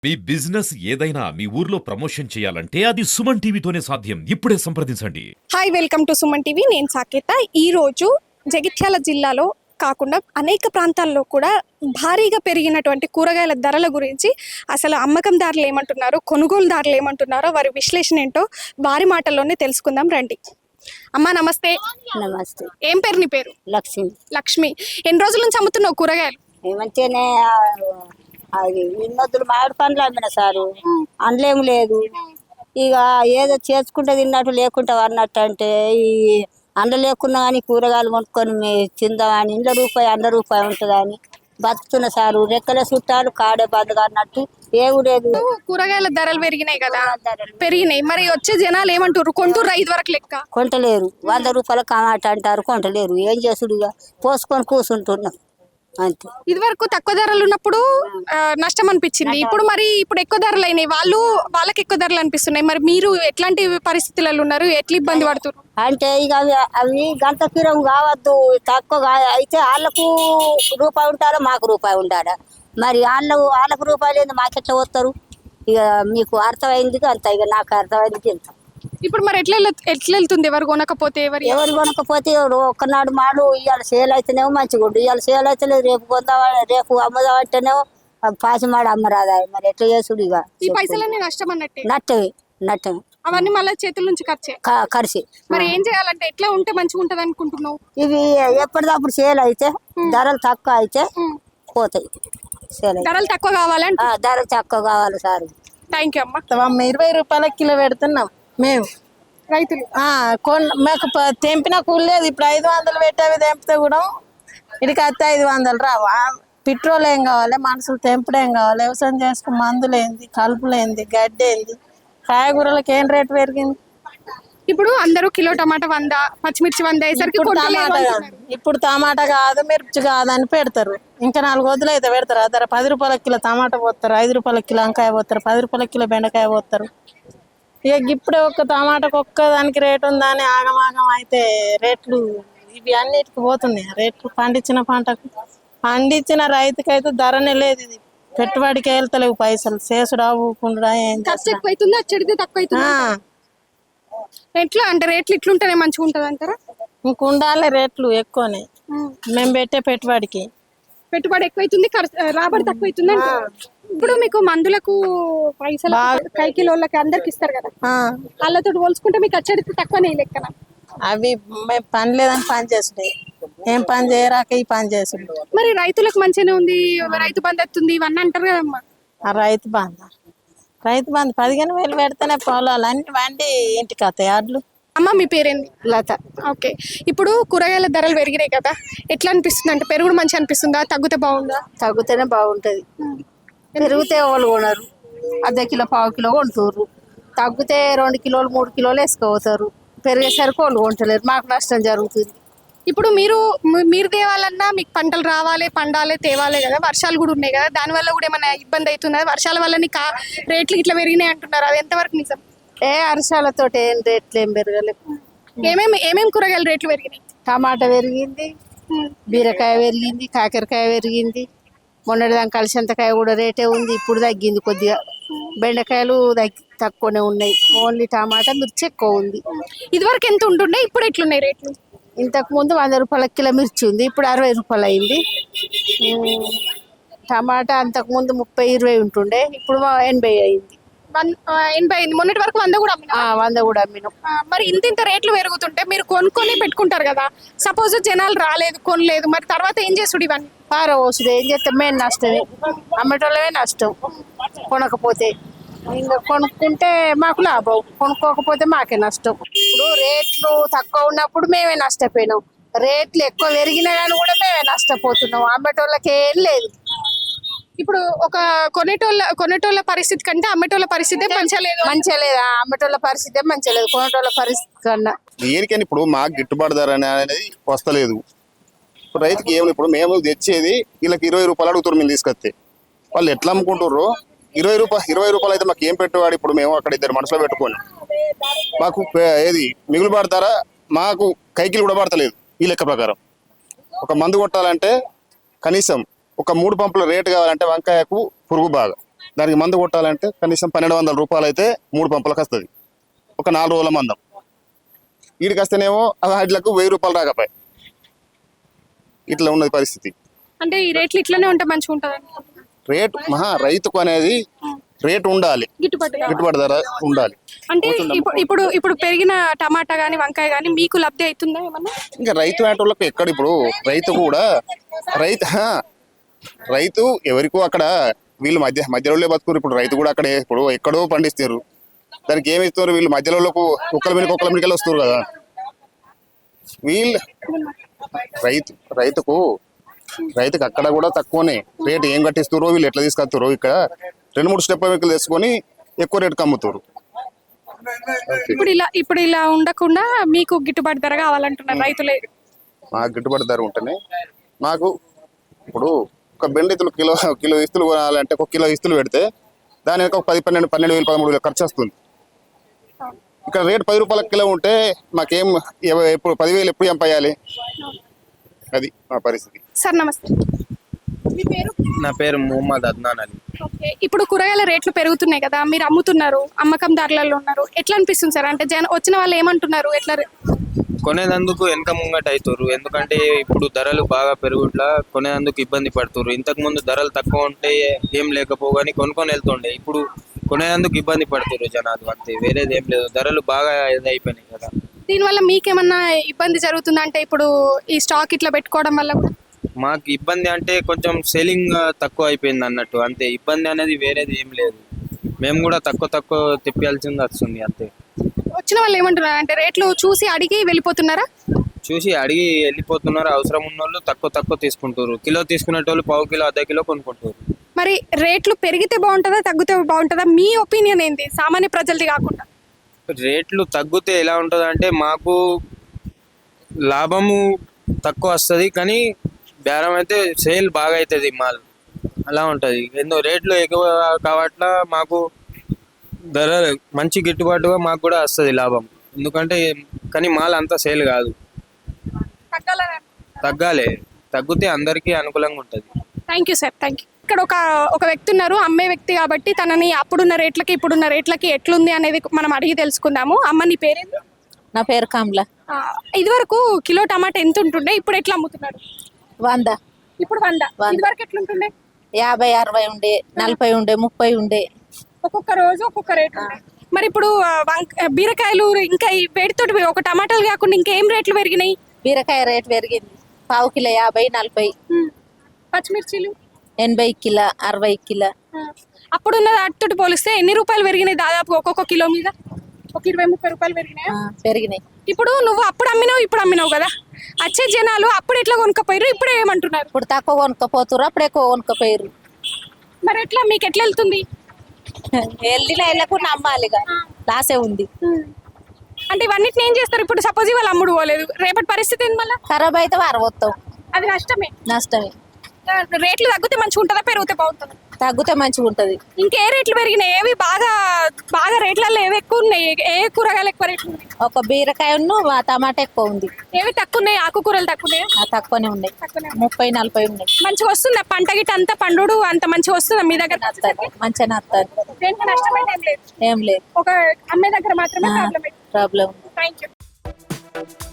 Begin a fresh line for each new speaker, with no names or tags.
మీ business ఏదైనా మీ ఊర్లో promotion చేయాలంటే అది సుమన్ టీవీతోనే సాధ్యం. ఇప్పుడే సంప్రదించండి.
Hi, welcome to Suman TV. నేను సాకేత. ఈ రోజు జగిత్యాల జిల్లాలో కాకుండా అనేక ప్రాంతాల్లో కూడా భారీగా పెరిగినటువంటి కూరగాయల ధరల గురించి అసలు అమ్మకందారులు ఏమంటున్నారు, కొనుగోలుదారులు ఏమంటున్నారో, వారి విశ్లేషణ ఏంటో వారి మాటల్లోనే తెలుసుకుందాం రండి. అమ్మా నమస్తే.
నమస్తే.
ఏం పేరు నీ పేరు?
లక్ష్మి.
లక్ష్మి, ఎన్ని రోజుల నుంచి అమ్ముతున్నావు కూరగాయలు?
ఏమంటేనే అది ఇన్నొద్దులు మామిడి పండ్లు అమ్మిన సారు, అందులేం లేదు. ఇక ఏదో చేసుకుంటే తిన్నట్టు లేకుంటా అన్నట్టు అంటే ఈ అండ లేకున్నా కానీ కూరగాయలు కొనుక్కొని తిందామని ఇంట్లో రూపాయి రూపాయి ఉంటుందని బతుకుతున్న సారు. రెక్కలే చుట్టాలు కాడే బంధుగా అన్నట్టు ఏమి లేదు.
కూరగాయల ధరలు పెరిగినాయి కదా, పెరిగినాయి. మరి వచ్చే జనాలు ఏమంటారు? కొంటూరు 5 వరకు లెక్క
కొంటలేరు. 100 రూపాయల కమాట అంటారు, కొంటలేరు. ఏం చేసుడు? ఇక పోసుకొని కూర్చుంటున్నాం అంతే.
ఇది వరకు తక్కువ ధరలు ఉన్నప్పుడు నష్టం అనిపించింది. ఇప్పుడు ఎక్కువ ధరలు అయినాయి, వాళ్ళకి ఎక్కువ ధరలు అనిపిస్తున్నాయి. మరి మీరు ఎట్లాంటి పరిస్థితులలో ఉన్నారు? ఎట్లా ఇబ్బంది పడుతున్నారు?
అంటే ఇక అవి గంట తీరం కావద్దు, తక్కువ అయితే వాళ్ళకు రూపాయి ఉంటారా, మాకు రూపాయి ఉండాలా? మరి వాళ్ళకు రూపాయలు ఏంది, మాకెట్లా పోతారు? ఇక మీకు అర్థమైంది అంత, ఇక నాకు అర్థమైంది ఇంత.
ఇప్పుడు మరి ఎట్లా వెళ్తుంది? ఎవరు కొనకపోతే
ఎవరు కొనకపోతే ఒక్కనాడు మాడు ఇవాళ సేల్ అయితేనేమో మంచిగా ఉండు, ఇవాళ సేల్ అయితే రేపు కొందామా, రేపు అమ్మదామంటేనేమో పాసిమాడు అమ్మరాదా. మరి ఎట్లా చేసుడు? ఇక
ఈ పైసలన్నీ నష్టం అన్నట్టే.
నట్టమే
అవన్నీ మళ్ళీ చేతుల నుంచి
ఖర్చు.
మరి ఏం చేయాలంటే ఎట్లా ఉంటే మంచిగా ఉంటది అనుకుంటున్నావు?
ఇవి ఎప్పటిదప్పుడు సేల్ అయితే ధరలు తక్కువ అయితే పోతాయి. సేల్
ధరలు తక్కువ కావాలంటే
ధరలు తక్కువ కావాలి సార్.
థ్యాంక్ యూ అమ్మా.
20 రూపాయల కిలో పెడుతున్నాం మేము
రైతులు.
మాకు తెంపిన కూలి లేదు. ఇప్పుడు 500 పెట్టేవి తెంపితే కూడా ఇడికి వస్తే 500 రావు. పెట్రోల్ ఏం కావాలి, మనుషులు తెంపుడు ఏం కావాలి, వ్యవసాయం చేసుకుని మందులేంది, కలుపులేంది, గడ్డి ఏంది, కాయగూరలకు ఏం రేటు పెరిగింది.
ఇప్పుడు అందరూ కిలో టమాటా 100, పచ్చిమిర్చి 100 అయ్యేసరికి
ఇప్పుడు టమాటా కాదు, మిర్చి కాదని పెడతారు. ఇంకా 4 వద్దులు అయితే పెడతారు. అదర 10 రూపాయల కిలో టమాటా పోతారు, 5 రూపాయల కిలో వంకాయ పోతారు, 10 రూపాయల కిలో బెండకాయ పోతారు. ఇక ఇప్పుడే ఒక్క టమాటాకు ఒక్కదానికి రేటు ఉందని ఆగమాగం అయితే రేట్లు ఇవి అన్నిటికి పోతున్నాయి. రేట్లు పండించిన పంటకు, పండించిన రైతుకైతే ధరనే లేదు. ఇది పెట్టుబడికి వెళ్తలేవు పైసలు, చేసుడా ఊకుండా ఏం
ఎక్కువైతుంది, అచ్చడితే తక్కువ అవుతుంది. ఎట్లా అంటే రేట్లు ఇట్లుంటేనే మంచిగా ఉంటది అంటారా?
ఇంకుండాలి రేట్లు ఎక్కువనే. మేము పెట్టే పెట్టుబడి
ఎక్కువైతుంది, రాబడి తక్కువ అవుతుంది. ఇప్పుడు మీకు మందులకు పైసలు కైకిలోళ్ళకి అందరికి ఇస్తారు కదా, వాళ్ళతో పోల్చుకుంటే మీకు అచ్చడితే తక్కువనే లెక్కన.
అవి మేము పని లేదని పని చేసుడే, ఏం పని చేయరాక ఈ పని చేసుడు.
మరి రైతులకు మంచిగానే ఉంది, రైతు బంధు వస్తుంది ఇవన్నీ అంటారు కదమ్మా.
ఆ రైతు బంధు 15,000 పెడితేనే పొలాలు అన్ని వండి ఇంటికి వస్తాయి అడ్లు.
అమ్మ మీ పేరేంది?
లత.
ఓకే. ఇప్పుడు కూరగాయల ధరలు పెరిగినాయి కదా, ఎట్లా అనిపిస్తుంది? అంటే పెరుగుడు మంచి అనిపిస్తుందా, తగ్గితే బాగుందా?
తగ్గుతేనే బాగుంటది. పెరిగితే వాళ్ళు కొనరు, ½ కిలో ½ కిలో కొంటారు. తగ్గితే 2 కిలోలు 3 కిలోలు వేసుకోతారు. పెరిగేసరికి వాళ్ళు కొంటలేరు, మాకు నష్టం జరుగుతుంది.
ఇప్పుడు మీరు తేవాలన్నా మీకు పంటలు రావాలి, పండాలి, తేవాలి కదా. వర్షాలు కూడా ఉన్నాయి కదా, దానివల్ల కూడా ఏమైనా ఇబ్బంది అవుతుందా? వర్షాల వల్ల రేట్లు ఇట్లా పెరిగినాయి అంటున్నారు, అది ఎంతవరకు నిజం?
వర్షాలతో ఏం రేట్లు ఏం పెరగలేదు.
ఏమేమి కూరగాయల రేట్లు పెరిగినాయి?
టమాటా పెరిగింది, బీరకాయ పెరిగింది, కాకరకాయ పెరిగింది. మొన్నటిదాకా కలిసంతకాయ కూడా రేటే ఉంది, ఇప్పుడు తగ్గింది కొద్దిగా. బెండకాయలు తక్కువనే ఉన్నాయి. ఓన్లీ టమాటా, మిర్చి ఎక్కువ ఉంది.
ఇదివరకు ఎంత ఉంటుండే, ఇప్పుడు ఎట్లున్నాయి రేట్లు?
ఇంతకు ముందు 100 రూపాయల కిలో మిర్చి ఉంది, ఇప్పుడు 60 రూపాయలు అయింది. టమాటా అంతకు ముందు 30-20 ఉంటుండే, ఇప్పుడు 80 అయింది.
80 అయింది. మొన్నటి వరకు 100 కూడా
100 కూడా అమ్మినాం.
మరి ఇంత రేట్లు పెరుగుతుంటే మీరు కొనుక్కొని పెట్టుకుంటారు కదా, సపోజ్ జనాలు రాలేదు, కొనలేదు, మరి తర్వాత ఏం చేసుడు? ఇవన్నీ
పారవోసుడు. ఏం చేస్తాం? మేము నష్టమే, అమ్మటోళ్ళమే నష్టం. కొనకపోతే ఇంకా కొనుక్కుంటే మాకు లాభం, కొనుక్కోకపోతే మాకే నష్టం. ఇప్పుడు రేట్లు తక్కువ ఉన్నప్పుడు మేమే నష్టపోయినాం, రేట్లు ఎక్కువ పెరిగినా కానీ కూడా మేమే నష్టపోతున్నాం. అమ్మటోళ్ళకి ఏం లేదు.
ఇప్పుడు ఒక కొనేటోళ్ళ పరిస్థితి కంటే అమ్మటోళ్ళ పరిస్థితి మంచిగా
లేదు. అమ్మటోళ్ళ పరిస్థితి మంచిగా లేదు, కొనేటోళ్ళ పరిస్థితి కన్నా.
దేనికని ఇప్పుడు మాకు గిట్టుబాటు ధర అనేది వస్తలేదు. ఇప్పుడు రైతుకి ఏమి, ఇప్పుడు మేము తెచ్చేది వీళ్ళకి 20 రూపాయలు అడుగుతారు. మేము తీసుకొస్తే వాళ్ళు ఎట్లా అమ్ముకుంటారు? 20 రూపాయలు అయితే మాకు ఏం పెట్టుబడి? ఇప్పుడు మేము అక్కడ 2 మనసులో పెట్టుకొని మాకు ఏది మిగులు పడతారా? మాకు కైకిలు కూడా పడతలేదు. ఈ లెక్క ప్రకారం ఒక మందు కొట్టాలంటే కనీసం ఒక 3 పంపుల రేటు కావాలంటే వంకాయకు పురుగు బాగా దానికి మందు కొట్టాలంటే కనీసం 1200 రూపాయలు అయితే 3 పంపులకు వస్తుంది, ఒక 4 రోజుల మందం. వీడికి వస్తేనేమో వాటిలకు 1000 రూపాయలు రాకపోయి ఇట్లా ఉన్నది పరిస్థితి.
అంటే ఈ రేట్లు ఇట్లనే ఉంటే మంచిగా ఉంటుంది.
రేటు రైతుకు అనేది రేటు ఉండాలి, గిట్టుబాటు ధర ఉండాలి.
అంటే ఇప్పుడు పెరిగిన టమాటా గానీ వంకాయ గానీ మీకు లబ్ధి అవుతుందా ఏమన్నా?
ఇంకా రైతు ఆటోళ్ళకు ఎక్కడ ఇప్పుడు రైతు కూడా రైతు ఎవరికో అక్కడ వీళ్ళు మధ్యలో బతుకురు. ఇప్పుడు రైతు కూడా అక్కడ ఇప్పుడు ఎక్కడో పండిస్తారు, దానికి ఏమి ఇస్తారు వీళ్ళు మధ్యలోకి కుక్కల మీదకి వస్తారు కదా. వీళ్ళు రైతుకు అక్కడ కూడా తక్కువనే రేటు ఏం కట్టిస్తారో వీళ్ళు ఎట్లా తీసుకొస్తారో ఇక్కడ 2-3 స్టెప్ వెహికల్ తెచ్చుకొని ఎక్కువ రేటుకి అమ్ముతారు.
ఇప్పుడు ఇలా ఉండకుండా మీకు గిట్టుబాటు ధర కావాలంటున్నారు రైతులే.
మాకు గిట్టుబాటు ధర ఉంటేనే మాకు ఇప్పుడు ఒక బెండ ఇస్తులు కిలో ఇస్తులు కొనాలంటే ఒక కిలో ఇస్తులు పెడితే దాని ఒక 12,000 13,000 ఖర్చు వస్తుంది. ఇక్కడ రేటు 10 రూపాయల కిలో ఉంటే మాకేం ఎప్పుడు 10,000 ఎప్పుడు ఎంపయ్యాలి? అది మా పరిస్థితి.
సార్ నమస్తే, మీ పేరు?
నా పేరు ముహమ్మద్ అద్నాన్ అలీ.
ఓకే, ఇప్పుడు కూరగాయల రేట్లు పెరుగుతున్నాయి కదా, మీరు అమ్ముతున్నారు, అమ్మకందారులలో ఉన్నారు, ఎట్లా అనిపిస్తుంది సార్? అంటే వచ్చిన వాళ్ళు ఏమంటున్నారు? ఎట్లా
కొనేదందుకు వెనక ముంగట అవుతారు, ఎందుకంటే ఇప్పుడు ధరలు బాగా పెరుగుట్లా కొనేందుకు ఇబ్బంది పడుతున్నారు. ఇంతకు ముందు ధరలు తక్కువ ఉంటే ఏం లేకపోగాని కొనుక్కొని వెళ్తుండే, ఇప్పుడు కొనేందుకు ఇబ్బంది పడుతున్నారు జనాలు, అంతే, వేరేది ఏం లేదు. ధరలు బాగా అయిపోయినాయి కదా.
దీనివల్ల మీకేమన్నా ఇబ్బంది జరుగుతుందా? అంటే ఇప్పుడు ఈ స్టాక్ ఇట్లా పెట్టుకోవడం వల్ల కూడా
మాకు ఇబ్బంది అంటే కొంచెం సెల్లింగ్ తక్కువ అయిపోయింది అన్నట్టు, అంతే. ఇబ్బంది అనేది వేరేది ఏం లేదు, మేము కూడా తక్కువ తెప్పాల్సింది వస్తుంది, అంతే.
వచ్చిన వాళ్ళు ఏమంటున్నారు అంటే రేట్లు చూసి అడిగి వెళ్ళిపోతున్నారా?
చూసి అడిగి వెళ్ళిపోతున్నారు. అవసరం ఉన్న వాళ్ళు తక్కువ తీసుకుంటారు. కిలో తీసుకునేటోళ్ళు పావు కిలో అర్ధ కిలో కొనుక్కుంటారు.
మరి రేట్లు పెరిగితే బాగుంటుందా తగ్గితే బాగుంటుందా? మీ ఒపీనియన్ ఏంది, సామాన్య ప్రజలది కాకుండా?
రేట్లు తగ్గితే ఎలా ఉంటుంది అంటే మాకు లాభము తక్కువ వస్తుంది, కానీ బేరం అయితే సేల్ బాగా అవుతుంది మాల్, అలా ఉంటుంది. ఎన్నో రేట్లు ఎక్కువ కావట్లా మాకు ధర మంచి గిట్టుబాటుగా మాకు కూడా వస్తుంది లాభం, ఎందుకంటే కానీ మాల్ అంతా సేల్ కాదు, తగ్గాలి. తగ్గితే అందరికీ అనుకూలంగా ఉంటుంది.
Thank you sir, thank you. ఇక్కడ ఒక వ్యక్తి ఉన్నారు, అమ్మే వ్యక్తి, కాబట్టి తనని అప్పుడున్న రేట్లకి ఇప్పుడున్న రేట్లకి ఎట్లుంది అనేది మనం అడిగి తెలుసుకుందాము. అమ్మ నీ పేరేంటి?
నా పేరు కమల.
ఇది వరకు కిలో టమాటా ఎంత ఉంటుండే, ఇప్పుడు ఎట్లా అమ్ముతున్నారు?
100.
ఇప్పుడు 100. ఇది వరకు ఎట్లుంటుండే?
50, 60 ఉండే, 40 ఉండే, 30 ఉండే.
ఒక్కొక్క రోజు ఒక్కొక్క రేట్ ఉండే. మరి ఇప్పుడు బీరకాయలు ఇంకా ఈ వేడితోటి ఒక టమాటాలు కాకుండా ఇంకేం రేట్లు పెరిగినాయి?
బీరకాయ రేట్ పెరిగింది, పావు కిలో 50, 40.
పచ్చిమిర్చిలు
80 kilo, 60 kilo.
అప్పుడున్న వాటితోటి పోలిస్తే ఎన్ని రూపాయలు పెరిగినాయి? దాదాపు ఒక్కొక్క కిలో మీద ఒక 20-30 రూపాయలు పెరిగినాయి.
పెరిగినాయి.
ఇప్పుడు నువ్వు అప్పుడు అమ్మినావు, ఇప్పుడు అమ్మినావు కదా, వచ్చే జనాలు అప్పుడు ఎట్లా కొనుక్కపోయారు, ఇప్పుడు ఏమంటున్నారు?
ఇప్పుడు తక్కువ కొనుక్కపోతురు, అప్పుడు ఎక్కువ కొనుక్కపోయారు.
మరి ఎట్లా మీకు ఎట్లా వెళ్తుంది?
వెళ్ళకుండా అమ్మాలిగా, లాసే ఉంది.
అంటే ఇవన్నిటిని ఏం చేస్తారు? ఇప్పుడు సపోజ్ ఇవాళ అమ్ముడు పోలేదు, రేపటి పరిస్థితి ఏంది? మళ్ళీ
ఖరాబ్ అయితే వారవస్తాం,
అది నష్టమే. రేట్లు తగ్గితే మంచిగా ఉంటుందా, పెరిగితే బాగుంటుందా?
తగ్గితే మంచిగా ఉంటది.
ఇంకే రేట్లు పెరిగినాయి? ఏవి బాగా రేట్లలో ఏవి ఎక్కువ ఉన్నాయి? ఏ కూరగాయలు ఎక్కువ రేట్లు ఉన్నాయి?
ఒక బీరకాయ టమాటా ఎక్కువ ఉంది.
ఏవి తక్కువ ఉన్నాయి? ఆకుకూరలు తక్కువ ఉన్నాయి?
తక్కువనే ఉన్నాయి, 30, 40 ఉన్నాయి.
మంచిగా వస్తుందా పంట గిట్ట? అంత పండు అంత మంచిగా వస్తుందా మీ దగ్గర?
మంచిగా వస్తుంది,
దేంట్లో నష్టమైన ఏం లేదు.
ఏం లేదు,
ఒక అమ్మే దగ్గర మాత్రమే
ప్రాబ్లం.
Thank you.